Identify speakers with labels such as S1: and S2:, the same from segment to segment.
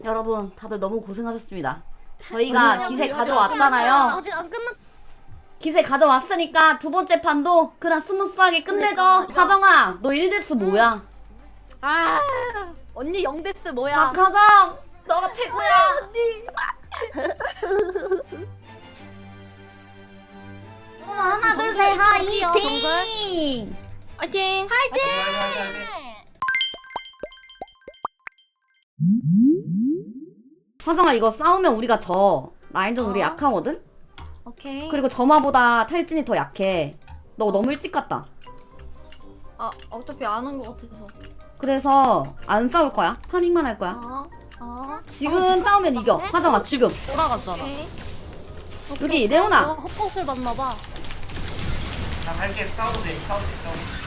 S1: 여러분 다들 너무 고생하셨습니다. 저희가 기세 가져왔잖아요.
S2: 아직 안 끝났.
S1: 기세 가져왔으니까 두 번째 판도 그냥 스무스하게 끝내죠. 화정아 너 1대스 뭐야?
S2: 아 언니 영데스 뭐야?
S1: 박화정 너가 최고야.
S2: 언니.
S1: 하나 둘 셋 화이팅!
S2: 화이팅!
S3: 화이팅!
S1: 화정아 이거 싸우면 우리가 져. 라인전 우리 약하거든?
S2: 오케이.
S1: 그리고 점화보다 탈진이 더 약해. 너 너무 일찍 갔다.
S2: 아 어차피 안 온 것 같아서.
S1: 그래서 안 싸울 거야. 파밍만 할 거야. 지금 싸우면 이겨. 화정아 지금.
S2: 돌아갔잖아.
S1: 여기 레오나.
S2: 헛것을 봤나봐.
S3: 나 갈게. 싸워도 돼. 싸워도 돼.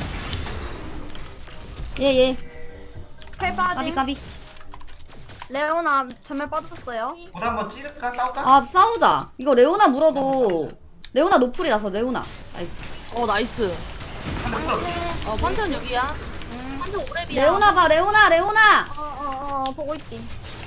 S1: 예예.
S2: 패바지.
S1: 까비 까비.
S2: 레오나 전멸 빠졌어요.
S3: 보다 한번 찌를까? 싸울까?
S1: 아 싸우자. 이거 레오나 물어도 레오나 노플이라서 레오나. 나이스.
S4: 나이스.
S3: 한대 필요 없지?
S4: 판천 여기야. 판천 오랩이야.
S1: 레오나 봐 레오나.
S2: 보고 있지.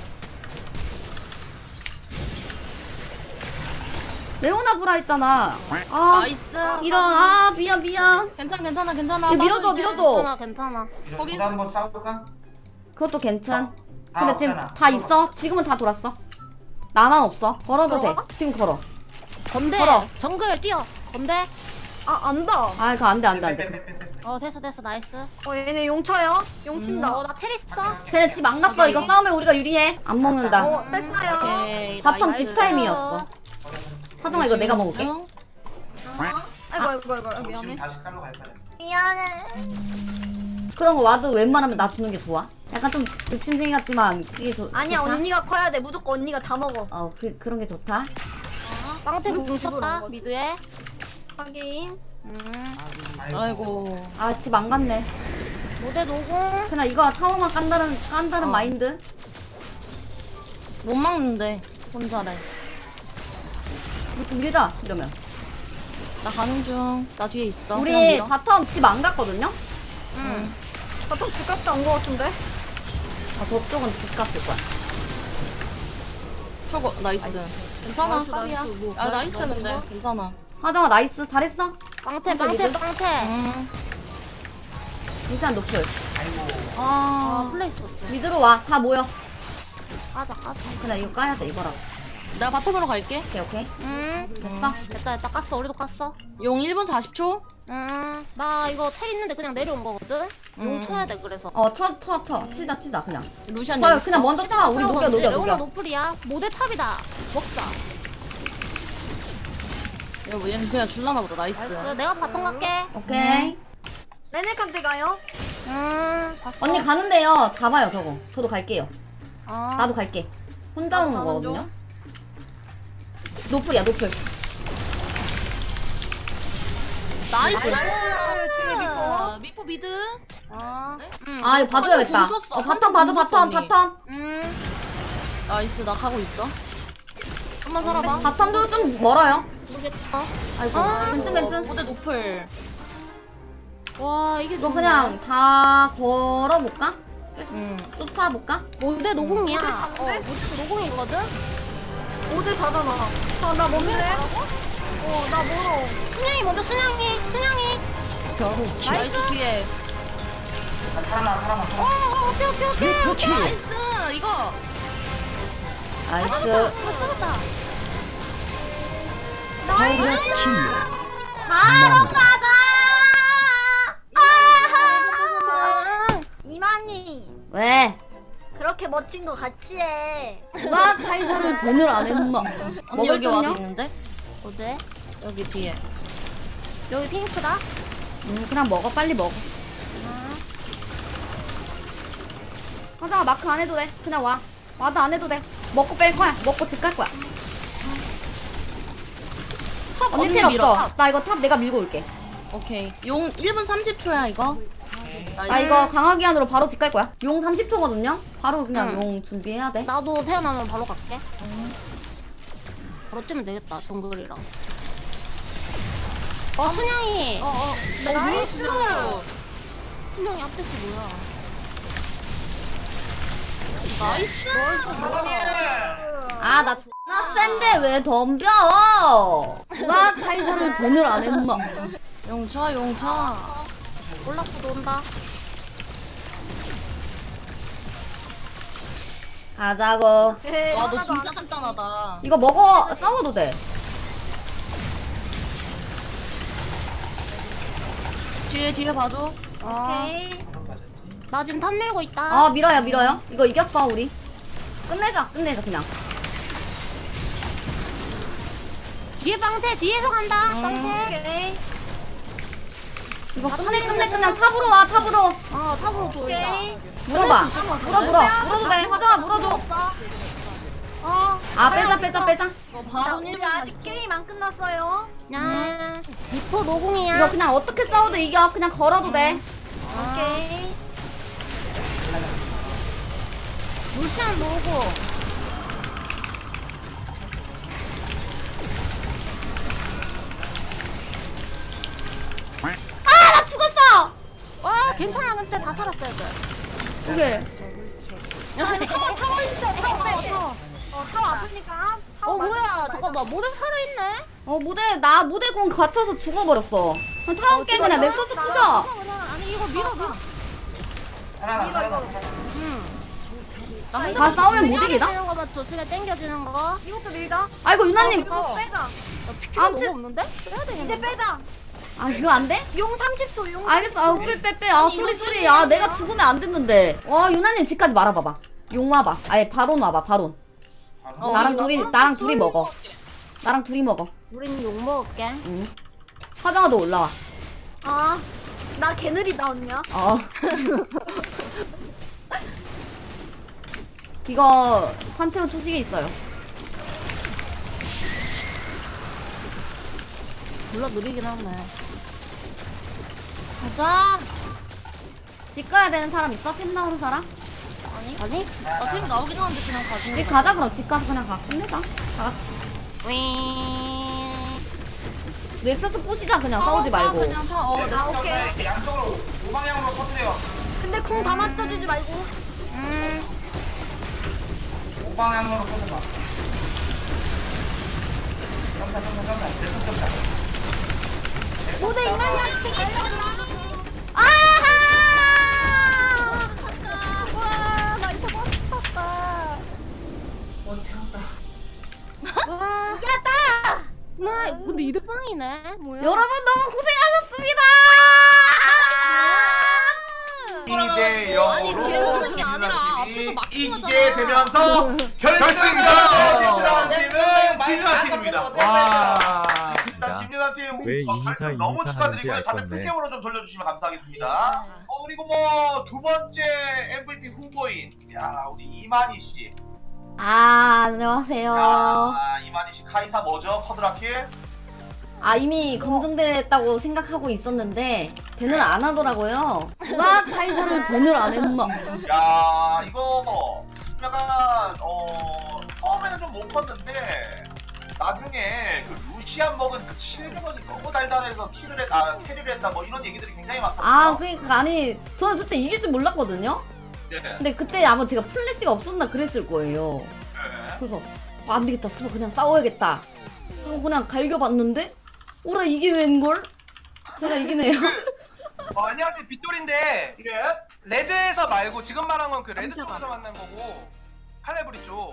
S1: 레오나 보라 했잖아. 아
S4: 나이스.
S1: 이런 미안.
S4: 괜찮아.
S1: 이거 밀어줘.
S2: 괜찮아.
S4: 거기-
S3: 보다 한번 싸울까?
S1: 그것도 괜찮.
S3: 다
S1: 근데 지금
S3: 없잖아.
S1: 다 있어. 지금은 다 돌았어. 나만 없어. 걸어도 돼.
S2: 걸어가?
S1: 지금 걸어.
S2: 건대.
S1: 걸어.
S2: 정글 뛰어. 건대. 아 안다.
S1: 아 이거 안돼.
S3: 빼빼빼빼빼.
S2: 됐어 나이스. 얘네 용쳐요. 용친다. 나 테리스 써.
S1: 쟤네 집 안 갔어. 이거 싸우면 우리가 유리해. 안 먹는다.
S2: 뺐어요.
S4: 오케이.
S1: 바텀
S4: 나이스.
S1: 집 타임이었어. 화정아 이거 내가 먹을게.
S4: 응?
S2: 아이고
S3: 지금
S2: 미안해.
S3: 다시 깔로 갈 거야.
S2: 미안해.
S1: 그런 거 와도 웬만하면 나 주는 게 좋아. 약간 좀 욕심쟁이 같지만 그게
S2: 아니야
S1: 좋다?
S2: 언니가 커야 돼. 무조건 언니가 다 먹어.
S1: 그런 게 좋다.
S2: 빵태 공
S1: 집으로
S2: 쳤다.
S1: 온
S2: 미드에. 확인.
S4: 아이고.
S1: 아 집 안 갔네.
S2: 모대 노공.
S1: 그냥 이거 타워만 깐다는 마인드.
S4: 못 막는데. 혼자래.
S1: 이거 좀 밀자 이러면.
S4: 나 가는 중. 나 뒤에 있어. 그냥
S1: 우리
S4: 밀어.
S1: 바텀 집 안 갔거든요?
S4: 응.
S2: 바텀 집값도 안거 같은데?
S1: 아 저쪽은 집 갔을 거야.
S4: 저거 나이스. 괜찮아.
S2: 나이스,
S4: 깝이야.
S2: 나이스. 뭐,
S4: 아 나이스
S2: 나이스.
S4: 근데 괜찮아.
S1: 화정아 나이스 잘했어.
S2: 빵태
S1: 미드?
S4: 응.
S1: 일단 노플.
S3: 아이고.
S1: 아
S2: 플레이 썼어.
S1: 미드로 와. 다 모여.
S2: 까자.
S1: 그냥 이거 까야 돼 이거라.
S4: 내가 바텀으로 갈게.
S1: 오케이.
S2: 됐어. 됐다. 깠어. 우리도 깠어.
S4: 용 1분 40초.
S2: 나 이거 텔 있는데 그냥 내려온 거거든? 용 쳐야 돼, 그래서.
S1: 쳐. 치자 그냥.
S4: 루시안
S1: 저
S4: 여기
S1: 그냥
S4: 있어.
S1: 먼저 타. 우리 녹여.
S2: 레오나 노플이야. 모대 탑이다. 먹자.
S4: 이거 얘는 그냥 줄라나 보다. 나이스.
S2: 내가 바텀 갈게.
S1: 오케이.
S2: 레네칸테 가요? 봤어.
S1: 언니 가는데요. 잡아요 저거. 저도 갈게요.
S2: 아.
S1: 나도 갈게. 혼자 오는
S2: 가는
S1: 거거든요. 노플이야 노플.
S4: 나이스.
S2: 미포.
S4: 미포 미드.
S2: 아.
S1: 아 이거 봐줘야겠다.
S4: 돈 썼어.
S1: 바텀 봐줘
S4: 돈 썼어, 언니.
S1: 바텀.
S4: 나이스. 나 가고 있어. 한번 살아봐.
S1: 바텀도 좀 멀어요.
S2: 모르겠다.
S1: 아이고 벤츠.
S4: 무대 노플.
S2: 와, 이게
S1: 이거 그냥 다 걸어볼까?
S4: 응.
S1: 쫓아볼까?
S2: 모대 노공이야. 모대 노공이거든? 5대 4잖아. 나 뭔데? 나 멀어. 순양이 먼저, 순양이.
S4: 나이스 뒤에.
S3: 아, 살아나.
S2: 오케이.
S4: 나이스. 이거.
S1: 나이스.
S2: 잡았다.
S1: 바로 가자.
S2: 이만희.
S1: 왜?
S2: 그렇게 멋진 거 같이 해.
S1: 누가 카이사를 밴을 안 했나?
S4: 언니 여기 와도
S1: 먹을
S4: 있는데?
S2: 어제?
S4: 여기 뒤에.
S2: 여기 핑크다?
S1: 그냥 먹어 빨리 먹어. 화장아 마크 안 해도 돼. 그냥 와. 와도 안 해도 돼. 먹고 뺄 거야. 먹고 집 갈 거야.
S4: 탑
S1: 언니
S4: 언니
S1: 필요
S4: 밀어.
S1: 없어. 나 이거 탑 내가 밀고 올게.
S4: 오케이. 용 1분 30초야 이거.
S1: 나 이거 강화기 안으로 바로 집 갈 거야. 용 30초거든요. 바로 그냥
S2: 응.
S1: 용 준비해야 돼.
S2: 나도 태어나면 바로 갈게. 바로 뛰면 되겠다, 정글이랑. 순양이. 나이스. 순양이 앞에서 뭐야?
S4: 나이스.
S1: 아, 나 존나 센데 왜 덤벼? 누가 카이사를 밴을 안 했나?
S4: 용차 용차.
S2: 올라프도 온다.
S1: 가자고.
S4: 와 너 진짜 단단하다.
S1: 이거 먹어. 싸워도 돼.
S4: 뒤에 봐줘.
S2: 오케이.
S3: 맞았지.
S2: 나 지금 탑 밀고 있다.
S1: 아, 밀어요, 밀어요. 이거 이겼어, 우리. 끝내자, 그냥.
S2: 뒤에 방태 뒤에서 간다.
S1: 음.
S2: 방태. 오케이.
S1: 이거 끝내, 그냥 탑으로 와, 탑으로.
S2: 어 탑으로 보인다.
S1: 물어봐. 물어도 돼. 화정아, 물어줘. 아, 빼자.
S4: 너 바로
S2: 우리
S4: 1분
S2: 아직 게임 안 끝났어요. 야. 리포 노공이야.
S1: 이거 그냥 어떻게 싸워도 이겨. 그냥 걸어도 돼.
S2: 오케이. 루시안 노고.
S1: 아, 나 죽었어!
S2: 와 괜찮아 근데 다 살았어요.
S1: 오케이.
S2: 타워 있어. 타워 아프니까. 뭐야 잠깐만 모델 살아있네.
S1: 모대군 갇혀서 죽어버렸어. 타워 깨 그냥 넥서스 부셔.
S2: 아니 이거 밀어.
S3: 살아나.
S1: 다 싸우면 못 이기나?
S2: 땡겨지는 거만 조심해 땡겨지는 거. 이것도 밀자.
S1: 아이고, 유나님.
S2: 이거 빼자. 피가
S1: 아무튼-
S2: 너무 없는데? 빼야 되겠는데. 이제 빼자.
S1: 아, 이거 안 돼?
S2: 용 30초 용.
S1: 알겠어. 아, 빼. 아, 소리. 아, 내가 죽으면 안 됐는데. 와, 유나님 집까지 말아봐봐. 용 와봐. 아예 바론 와봐, 바론. 나랑 둘이 먹어. 나랑 둘이 먹어.
S2: 우린 용 먹을게.
S1: 응. 화정아도 올라와.
S2: 아, 나 개느리다 언니야.
S1: 어. 이거 판테온 초식에 있어요.
S2: 몰라 느리긴 하네.
S1: 가자. 집 가야 되는 사람 있어? 팀 나오는 사람?
S2: 아니?
S4: 나 지금 나오긴 하는데 그냥 가지고.
S1: 집 가자 그럼. 집 가서 그냥 가. 끝내자. 다 같이. 넥서스 부시자 그냥. 싸우지 말고.
S4: 그냥 타.
S3: 네,
S4: 나
S3: 이렇게 양쪽으로 우방향으로 터뜨려.
S2: 근데 쿵 다 맞춰주지 말고.
S3: 우방향으로 터뜨려. 점사. 넥서스 점사.
S2: 모두 인간이한테
S1: 아하!
S2: 와, 나 이거 멋있었다.
S3: 태웠다.
S2: 와, 이겼다. 와, 근데 이득방이네. 뭐야?
S1: 여러분 너무 고생하셨습니다.
S3: 이대
S4: 아니, 딜 넣는 게 아니라 앞에서 막
S3: 이기게 되면서 결승전 팀은 김유나팀입니다. 와, 일단 김유나팀
S5: 왜 인사
S3: 너무
S5: 인사하는지
S3: 축하드리고요.
S5: 알
S3: 다들
S5: 건데.
S3: 풀게임으로 좀 돌려주시면 감사하겠습니다. 그리고 뭐 두 번째 MVP 후보인 우리 이만희 씨.
S1: 아, 안녕하세요.
S3: 이만희 씨 카이사 뭐죠? 커드라킬?
S1: 아, 이미 검증됐다고 생각하고 있었는데 밴을 안 하더라고요. 누가 카이사를 밴을 안 했나?
S3: 야, 이거 약간 처음에는 좀 못 컸는데 나중에 그 루시안 먹은 그 700원이 너무 달달해서 캐리를 했다 뭐 이런 얘기들이 굉장히 많거든요.
S1: 아, 그러니까 아니 저는 솔직히 이길 줄 몰랐거든요.
S3: 네.
S1: 근데 그때 아마 제가 플래시가 없었나 그랬을 거예요.
S3: 네.
S1: 그래서 안 되겠다. 수바 그냥 싸워야겠다. 하고 그냥 갈겨봤는데 오라 이게 웬걸? 제가 이기네요.
S6: 안녕하세요 빗돌인데
S3: 이게
S6: 레드에서 말고 지금 말한 건 그 레드 쪽에서 만난 거고 칼레브리 쪽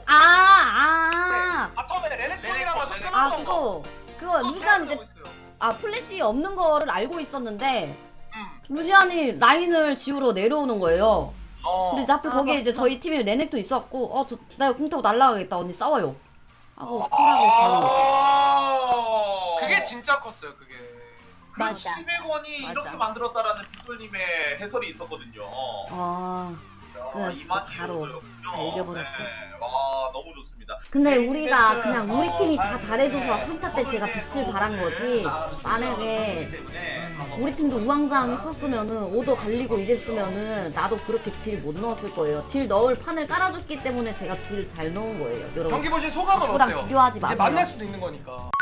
S6: 바텀에 레넥톤이라고 해서
S3: 레넥톤.
S1: 아,
S6: 끊었던 거
S1: 그거 루시안 이제
S6: 있어요.
S1: 플래시 없는 거를 알고 있었는데 루시안이 라인을 지우러 내려오는 거예요. 근데 이제 하필 거기에 이제 저희 팀에 레넥도 있었고 나 궁 타고 날라가겠다. 언니 싸워요 하고 쿨하고 바로.
S6: 그게 진짜 컸어요 그게
S3: 그
S2: 맞아.
S3: 700원이
S2: 맞아.
S3: 이렇게 만들었다라는 빗돌님의 해설이 있었거든요.
S1: 그래,
S3: 이만
S1: 바로 알려버렸죠.
S3: 와, 너무 좋습니다.
S1: 근데
S3: 세
S1: 우리가
S3: 이벤트,
S1: 그냥 우리 팀이 다 잘해줘서
S3: 네,
S1: 한타 때 제가 빛을 발한 거지. 만약에
S3: 때문에
S1: 우리 팀도 우왕좌왕 했었으면은 오더 갈리고 이랬으면은 나도 그렇게 딜 못 넣었을 거예요. 딜 넣을 판을 깔아줬기 때문에 제가 딜 잘 넣은 거예요. 여러분
S6: 경기 보신 소감은
S1: 누구랑
S6: 어때요?
S1: 비교하지
S6: 이제
S1: 마세요.
S6: 만날 수도 있는 거니까